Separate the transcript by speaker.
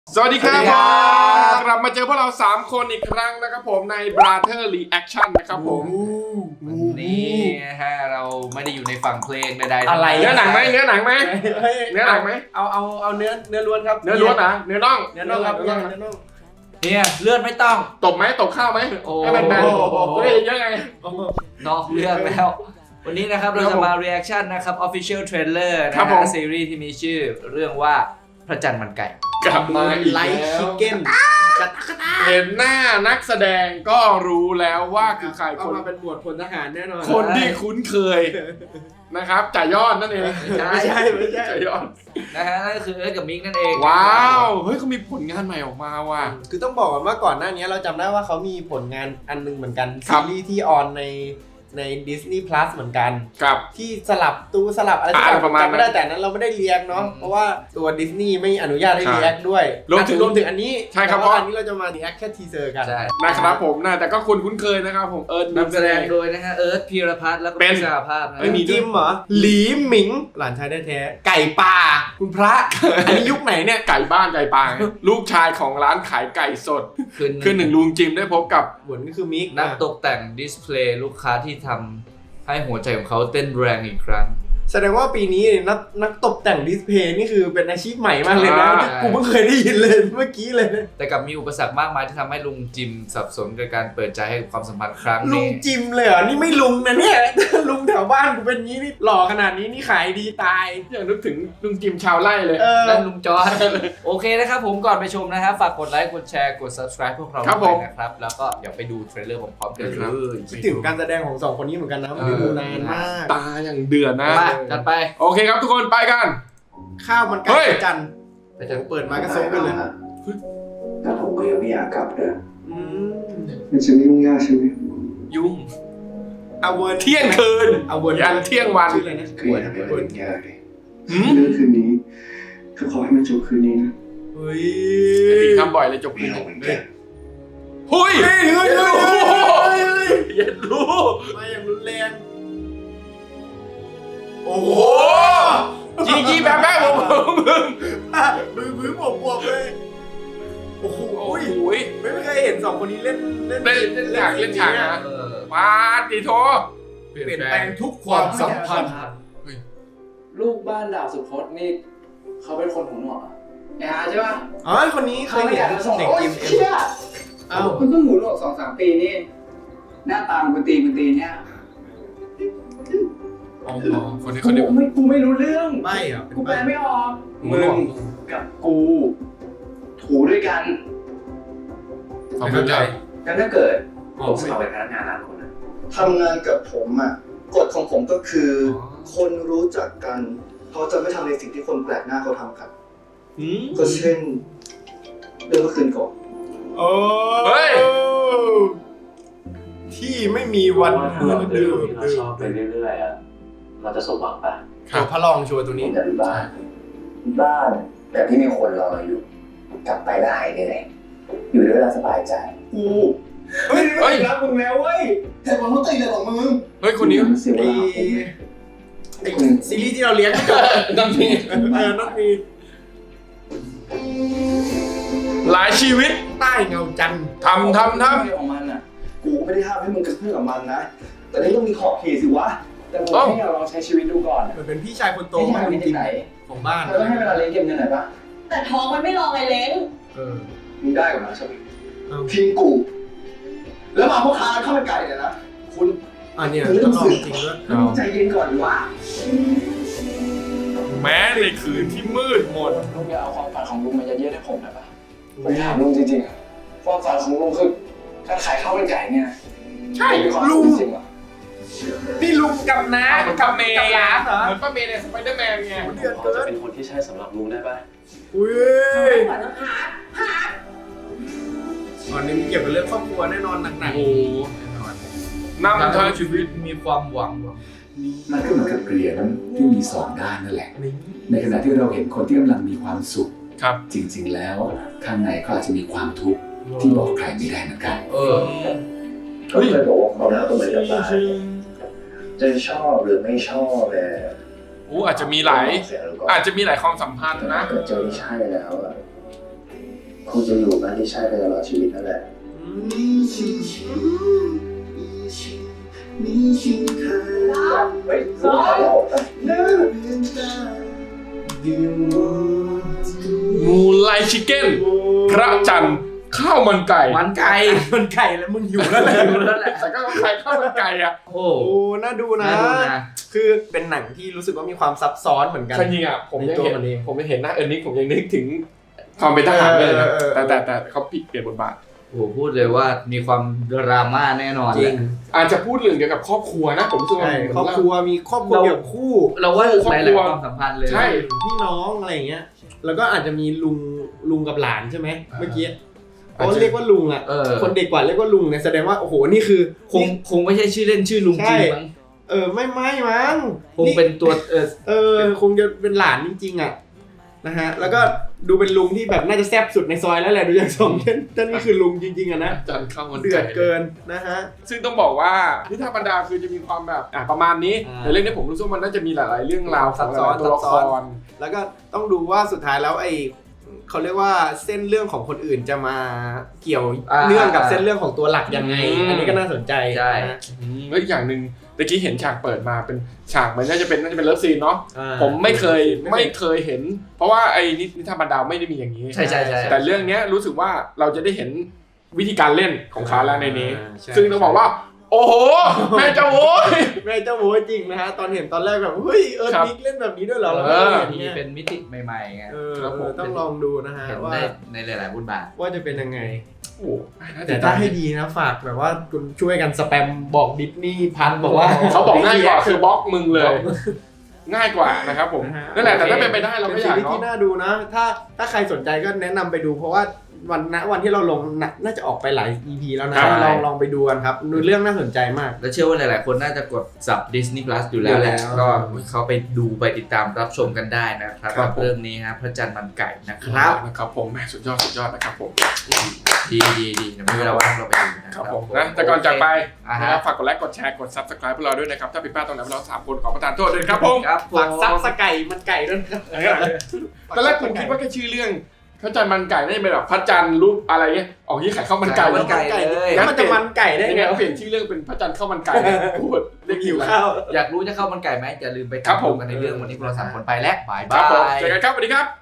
Speaker 1: สวัสดีครับกลับมาเจอพวกเรา3คนอีกครั้งนะครับผมใน Brother Reaction นะครับผม
Speaker 2: นี่ฮะเราไม่ได้อยู่ในฝั่งเพลงใดๆ
Speaker 1: อะไรเนื้อหนังไหมเนื้อหนังไหมเนื้อหนังไหม
Speaker 3: เอาเนื้อล้วนครับ
Speaker 1: เนื้อล้วนนะเนื้อน่อง
Speaker 3: เนื้อน่องครับเนื้อน่อง
Speaker 2: เนี่ยเลือดไม่ต้อง
Speaker 1: ตบไหมตบข้าวไหม
Speaker 2: โอ้
Speaker 1: ให้มันแบนเฮ้ยเยอะไง
Speaker 2: นอกเรื่องแล้ว วันนี้นะครับเราจะมา reaction นะครับ official trailer นะ
Speaker 1: ครับผ
Speaker 2: ฮะ
Speaker 1: ม
Speaker 2: ซีรีส์ที่มีชื่อเรื่องว่าพระจันทร์มันไก่
Speaker 1: กลับมาอีก
Speaker 3: ไลท์
Speaker 1: แล้
Speaker 3: ชิ
Speaker 1: ว
Speaker 3: คเก้น
Speaker 1: เห็นหน้านักแสดงก็รู้แล้วว่าคือใคร
Speaker 3: เอามาเป็นหมวดพลทหารแน่นอน
Speaker 1: คนที่คุ้นเคยนะครับจ่ายยอดนั่นเอง
Speaker 3: ไม่ใช่
Speaker 1: จ่ายยอด
Speaker 2: นะฮะนั่นก็คือเอิร์ธกับมิกนั่นเอง
Speaker 1: ว้าวเฮ้ยเขามีผลงานใหม่ออกมาว่ะ
Speaker 3: คือต้องบอกว่าก่อนหน้านี้เราจำได้ว่าเขามีผลงานอันนึงเหมือนกัน
Speaker 1: ครั
Speaker 3: ซี
Speaker 1: บ
Speaker 3: รีส์ที่ออนใน Disney Plus เหมือนกัน
Speaker 1: กับ
Speaker 3: ที่สลับอะไรสักอย่าง
Speaker 1: ประมาณนั้น
Speaker 3: จำไม่ได้แต่นั้นเราไม่ได้เรียกเนาะเพราะว่าตัวดิสนีย์ไม่อนุญาตให้เรียกด้วย
Speaker 1: รวมถึง
Speaker 3: อันนี้
Speaker 1: ใช่ครับ
Speaker 3: แต่ว่าอันนี้เราจะมาเรียกแค่ทีเซอร์กัน
Speaker 2: ใช่
Speaker 1: นะครับผมนะแต่ก็คนคุ้นเคยนะครับผมเอิร์ธ
Speaker 2: นำแสดงโดยนะฮะเอิร์ธพีรพัฒน์แล้วก็
Speaker 1: เป็น
Speaker 2: พิชาภาพนะ
Speaker 1: ไม่มี
Speaker 3: จิมเหรอหลีหมิงหลานชายแท้ๆไก่ป่าคุณพระ อันนี้ยุคไหนเนี่ย
Speaker 1: ไก่บ้านไก่ปางลูกชายของร้านขายไก่สด คือหนึ่งลุงจิมได้พบกับ
Speaker 3: หวนก็คือมิก
Speaker 2: นักตกแต่งดิสเพลย์ลูกค้าที่ทำให้หัวใจของเขาเต้นแรงอีกครั้ง
Speaker 3: แสดงว่าปีนี้นักตกแต่งดิสเพลย์นี่คือเป็นอาชีพใหม่มากเลยนะ
Speaker 1: ใช่
Speaker 3: กูเพิ่งเคยได้ยินเลยเมื่อกี้เลยนะ
Speaker 2: แต่กลับมีอุปสรรคมากมายที่ทำให้ลุงจิมสับสนกับการเปิดใจให้ความสัมพันธ์ครั้ง
Speaker 3: ลุ
Speaker 2: นี้
Speaker 3: งจิมเลยเหรอนี่ไม่ลุงนะเนี่ย ลุงแถวบ้านกูเป็นงี้นี่หล่อขนาดนี้นี่ขายดีตาย
Speaker 1: อย่างนึกถึงลุงจิมชาวไร่เลย
Speaker 2: นั่นลุงจอยโอเคนะครับผมก่อนไปชมนะครับฝากกดไลค์กดแชร์กด subscribe พวกเรา
Speaker 1: ครับ
Speaker 2: ด้วย
Speaker 1: ผม
Speaker 2: นะครับแล้วก็เดี๋ยวไปดูเทรลเลอร์พร้อมๆกัน
Speaker 1: ครับ
Speaker 2: เลย
Speaker 3: คิดถึงการแสดงของสองคนนี้เหมือนกันนะไม่ได้ดูนานมาก
Speaker 1: ตาอย่างเดือดนะ
Speaker 2: มาจัดไป
Speaker 1: โอเคครับทุกคนไปกัน
Speaker 3: ข้าวมันไก่
Speaker 1: เฮ้ย
Speaker 3: จันทร์
Speaker 2: ไปจัด
Speaker 3: เปิดมาก็ซบกันเลย
Speaker 4: แต่ผมก็ยังไม่อยากกลับเลย
Speaker 3: อืม
Speaker 4: มันจะไม่ยุ่งยากใช่ไหม
Speaker 1: ยุ่ง
Speaker 3: เอาเวิร์ด
Speaker 1: เที่ยงคืน
Speaker 3: เอาเวิร์ด
Speaker 1: ยันเที่ยงวัน
Speaker 3: ชื่ออะไรนะ
Speaker 4: คืออย่าทำให้มันยุ่งยากเลย
Speaker 1: หืม
Speaker 4: เรื่องคืนนี้ก็ขอให้มันจบคืนนี้นะ
Speaker 3: เฮ้ย
Speaker 1: ติดคำบ่อยเลยจบ
Speaker 4: ไม่เอาเหมือนกัน
Speaker 1: หุ้ย
Speaker 3: เฮ้ยเฮ้ยเฮ้ยเฮ้ย
Speaker 1: เย็นรู้
Speaker 3: มาอย่างรุนแรงโอ้
Speaker 1: โอ้
Speaker 3: โห
Speaker 1: โหยี่แบบแบบผมมึง
Speaker 3: บื้อบวบเลยโอ้โห
Speaker 1: โอ้ย
Speaker 3: ไม่เคยเห็นสองคนนี้เล่น
Speaker 1: เล่นฉากนะ
Speaker 2: เออ
Speaker 1: ปาติโท
Speaker 3: เปลี่ยนแปลงทุกความสัมพันธ์
Speaker 5: ลูกบ้านดาวสุพจน์นี่เขาเป็นคนของหนวกใช่ป่ะ
Speaker 3: อ๋อคนนี้เคยเห็นเด็กจิมเอ็มเอ้า
Speaker 5: คุณเพิ่งหูหนวก2-3 ปีนี่ หน้าตามันตีเนี่ย
Speaker 1: อ๋อคนนี้คนนี้
Speaker 5: กูไม่รู้เรื่อง
Speaker 3: ไม่เหรอ
Speaker 5: กูแปลไม่ออกมึงกับกูถูด้วยกัน
Speaker 1: ขอบคุณใจ
Speaker 5: แล้วถ้าเกิดผมสมัครเป็นพนักงานร้านคุณนะ
Speaker 6: ทำงานกับผมอ่ะกฎของผมก็คือ คนรู้จักกันเขาจะไม่ทำในสิ่งที่คนแปลกหน้าเขาทำกัน
Speaker 3: อืม
Speaker 6: ก็เช่นเรื่องเมื่อคืนก่อน
Speaker 3: โอ้
Speaker 1: เฮ้ย
Speaker 3: ที่ไม่มีวันเหมือนเดิม
Speaker 7: ที่เราชอบไปเรื่อยๆอ่ะเราจะสมหวังปะ
Speaker 3: ตัวพระรองชัวร์ตัว
Speaker 6: ผ
Speaker 3: นี้
Speaker 6: มจะมีบ้านแบบที่มีคนรอเราอยู่ กลับไปแล้วหายเหนื่อยอยู่ด้วยแล้วสบายใจกู
Speaker 1: เฮ้ย
Speaker 6: รักมึงแล้วเว้ยแต่ผมต้องตีเลยของมึง
Speaker 1: เฮ้ยคนนี้
Speaker 6: เสียเว
Speaker 3: ไอ้
Speaker 6: ลาผมเนี่ย
Speaker 3: ไอ้ซีรีส์ที่เราเลี้ยง
Speaker 1: ต้องมี
Speaker 3: ต้องมี
Speaker 1: หลายชีวิต
Speaker 3: ใต้เงาจันทร์
Speaker 1: ทำ
Speaker 5: เรื่องของมันอ่ะ
Speaker 6: กูไม่ได้ห้ามให้มึงกระเพื่อมกับมันนะ แต่นี่ต้องมีขอบเขตสิวะ
Speaker 5: แต่ผมให้เราลองใช้ชีวิตดูก่อน
Speaker 3: มันเป็นพี่ชายคนโต
Speaker 5: ที่
Speaker 3: ขอ
Speaker 5: ทาง ง
Speaker 3: ลุ
Speaker 5: นี้
Speaker 3: งจิ
Speaker 5: ที่
Speaker 3: ม
Speaker 5: ไหน
Speaker 3: ของบ้าน
Speaker 5: เราต้องให้เวลาเลี้ยงเก็บเงินหน่อยปะ
Speaker 8: แต่ท้องมันไม่รองไงเล้ง
Speaker 3: เออ
Speaker 6: มึงได้กว่านะชวิต
Speaker 3: เอา
Speaker 6: ทิ้งกู แล้วมาพ่อค้าข้าวมันไก่เนี่ยนะ คุณ
Speaker 3: อันเนี้ยต้องลองจริงด้วย
Speaker 6: มึงใจเย็นก่อนดีวะ
Speaker 1: แม้ในคืนที่มืดมน
Speaker 5: ลุงอย่าเอาความฝันของลุงมายัดเยียดให้ผมนะปะผมถามลุงจริงๆอะความฝันของลุงคือการขายข้าวมันไก่เนี่ยนะ
Speaker 3: ใช่
Speaker 5: มีความ
Speaker 3: ลุง
Speaker 5: ฝันจริงเหรอ
Speaker 3: นี่ลุงกับน้า
Speaker 1: กับเมย์
Speaker 3: กับร้านเหรอ
Speaker 1: เหมือนป้าเมย์ในสไปเดอร์แมนไง
Speaker 3: เดือด
Speaker 7: พอ
Speaker 3: เกิ
Speaker 7: จะ
Speaker 3: น
Speaker 7: เป็นคนที่ใช่สำหรับลุงได้ปะ
Speaker 3: อุ้ย
Speaker 8: เหมือนหา
Speaker 3: ตอนนี้มีเกี่ยวกับเรื่องครอบครัวแน่นอนหนัก
Speaker 1: โอ้โหนำทางชีวิต
Speaker 2: มีความหวัง
Speaker 4: มันก็เหมือนกับเหรียญที่มีสองด้านนั่นแหละ ในขณะที่เราเห็นคนที่กำลังมีความสุข
Speaker 1: ครับ
Speaker 4: จริงๆแล้วข้างในเขาอาจจะมีความทุกข์ที่บอกใครไม่ได้เหมือนกัน
Speaker 2: เออ
Speaker 6: ก็เลยบอกว่าความรักก็เหมือนกับบ้านจะชอบหรือไม่ชอบแต่
Speaker 1: อาจจะมีหลาย
Speaker 6: เสียงก่อน
Speaker 1: อาจจะมีหลายความสัมพันธ์นะ
Speaker 6: เกิดเจอที่ใช่แล้วอะ
Speaker 5: คงจะอยู่บ้านที่ใช่ไปตลอดชีวิตนั่นแหละ เฮ้ยสุดท้ายแล้ว
Speaker 1: มูไลชิคเก้นพระจันทร์ข้าวมันไก่
Speaker 2: มันไก่
Speaker 3: มันไก่แล้วมึงหิวแล้วแหละ
Speaker 2: อยู่แล้วแหละ
Speaker 1: แต่ก็ใครข้าวมันไก่อะ
Speaker 2: โอ้
Speaker 3: โอ้น่าดูนะ
Speaker 2: น่าดูนะ
Speaker 3: คือเป็นหนังที่รู้สึกว่ามีความซับซ้อนเหมือนกัน
Speaker 1: จริงๆอะผมยัง
Speaker 3: ในตัว
Speaker 1: เห็น
Speaker 3: มันเอง
Speaker 1: ผมยังเห็นหน้าเอิร์นิกผมยังนึกถึงความเป็นทหารเลยนะแต่เขาเปลี่ยนบทบาท
Speaker 2: โหพูดเลยว่ามีความดราม่าแน่นอน
Speaker 3: จริง
Speaker 1: อาจจะพูดเรื่องเกี่ยวกับครอบครัวนะผมรู้สึกว่า
Speaker 3: ใช่ครอบครัวมีครอบครัวเกี่ยวกับคู่
Speaker 2: เราว่า
Speaker 1: ครอบ
Speaker 2: ห
Speaker 1: ครั
Speaker 2: ลายว ๆความสัมพันธ์เลย
Speaker 1: ใช่
Speaker 3: พี่น้องอะไรอย่างเงี้ย แล้วก็อาจจะมีลุงกับหลานใช่ไหมเมื่อกี้เขาเรียกว่าลุงอ่ะ คนเด็กกว่าเรียกว่าลุงเนี่ยแสดงว่าโอ้โหนี่คือ
Speaker 2: คงไม่ใช่ชื่อเล่นชื่อลุงจริงมั้ง
Speaker 3: ไม่มั้ง
Speaker 2: คงเป็นตัว
Speaker 3: คงจะเป็นหลานจริงๆอ่ะนะฮะแล้วก็ดูเป็นลุงที่แบบน่าจะแซ่บสุดในซอยแล้วแหละดูอย่างสองท่านนี่คือลุงจริงๆอ่ะนะ
Speaker 1: จันทร์ข้าวมัน
Speaker 3: เดื
Speaker 1: ไก่
Speaker 3: อดเกินนะฮะ
Speaker 1: ซึ่งต้องบอกว่านิทานบรรดาคือจะมีความแบบประมาณนี้ในเรื่องนี้ผมรู้สึกว่ามันน่าจะมีหลายๆเรื่องราวของหลายๆตัวละคร
Speaker 3: แล้วก็ต้องดูว่าสุดท้ายแล้วเขาเรียกว่าเส้นเรื่องของคนอื่นจะมาเกี่ยวเนื่องกับเส้นเรื่องของตัวหลักยังไง อันนี้ก็น่าสนใจ
Speaker 2: ใช่
Speaker 3: นะ
Speaker 1: แล้วอีกอย่างหนึ่งตะกี้เห็นฉากเปิดมาเป็นฉากมันน่าจะเป็นเลิฟซีนเนาะ ผมไม่เคยเห็น เพราะว่าไอ้นิทานบรรดาไม่ได้มีอย่างนี้
Speaker 2: ใช่ใช่ใช่
Speaker 1: แต่เรื่องเนี้ยรู้สึกว่าเราจะได้เห็นวิธีการเล่นของเขาแล้วในนี้
Speaker 3: ใช่
Speaker 1: ซึ่งต้องบอกว่า โอ้โหแม่เจ้าโว้ย
Speaker 3: แม่เจ้าโว้ยจริงนะฮะตอนเห็นตอนแรกแบบเฮ้ย
Speaker 1: ครับ
Speaker 3: มิกเล่นแบบนี้ด้วยเหรอเราไม่เคยเห็น
Speaker 2: มี
Speaker 3: เนี่ย
Speaker 2: เป็นมิติใหม่ๆไง
Speaker 1: ครับผม
Speaker 3: ต้องลองดูนะฮะ
Speaker 2: เห็น
Speaker 3: ว่า
Speaker 2: ในหลายๆบทบาท
Speaker 3: ว่าจะเป็นยังไง
Speaker 1: โอ้โห
Speaker 3: แต่ถ้าให้ดีนะฝากแบบว่าคุณช่วยกันสแปมบอกดิสนีย์พันบอกว่า
Speaker 1: เขาบอกง่ายกว่าคือบล็อกมึงเลย ง่ายกว่านะครับผม
Speaker 3: นะฮะ
Speaker 1: นั่นแหละแต่ถ้าเป็นไปได้เรา
Speaker 3: เป็
Speaker 1: ก็
Speaker 3: น
Speaker 1: อ
Speaker 3: ซี
Speaker 1: ยาก
Speaker 3: รีส์ที่
Speaker 1: เนาะ
Speaker 3: น่าดูนะ ถ้าใครสนใจก็แนะนำไปดูเพราะว่าวันที่เราลงน่าจะออกไปหลาย EP แล้วนะ
Speaker 2: ใช่
Speaker 3: ลองไปดูกันครับดูเรื่องน่าสนใจมาก
Speaker 2: แล้วเชื่อว่าหลายๆคนน่าจะกดสับ Disney Plus อยู่แล้วแหละ
Speaker 3: อยู่แล้ว
Speaker 2: ก็เขาไปดูไปติดตามรับชมกันได้นะครับกับเรื่องนี้ฮะพระจันทร์มันไก่นะครับ
Speaker 1: นะครับผมแหม่สุดยอดนะครับผม
Speaker 2: ดีเดี๋ยวมีเวลาว่างเราไปดูนะครับ
Speaker 1: ผมนะแต่ก่อนจากไป
Speaker 2: อ่า
Speaker 1: นะ
Speaker 2: ฮะ
Speaker 1: ครับฝากกดไลค์กดแชร์กด Subscribe พวกเราด้วยนะครับถ้าผิดพลาดตรงไหนพวกเรา3คนขอประทานโทษด้วยครับผม
Speaker 2: ครับผม
Speaker 3: ฝากซับสไก่มันไก่ด้วยนะครับ
Speaker 1: ตอนแรกผมคิดว่าแค่ชื่อเรื่องพระจันทร์มันไก่น่าจะเป็นแบบพระจันทร์รูปอะไรเงี้ยออกที่ขายข้าวมันไก่
Speaker 2: ข้าวมันไก่ เลย
Speaker 3: แล้วมันจะมันไก่ได้
Speaker 1: ยัง
Speaker 3: ไง
Speaker 1: ไงเปลี่ยนชื่อเรื่องเป็นพระจันทร์ข้าวมันไก่พูดเรียก
Speaker 3: หิวข้าว
Speaker 2: อยากรู้จะเข้ามันไก่ไหมอย่าลืมไป
Speaker 1: ครับ
Speaker 2: ตาม
Speaker 1: ผม
Speaker 2: ดูกันในเรื่องวันนี้พวกเรา3คนไปและบาย
Speaker 1: ครับผม
Speaker 2: บาย
Speaker 1: เจอกันครับสวัสดีครับ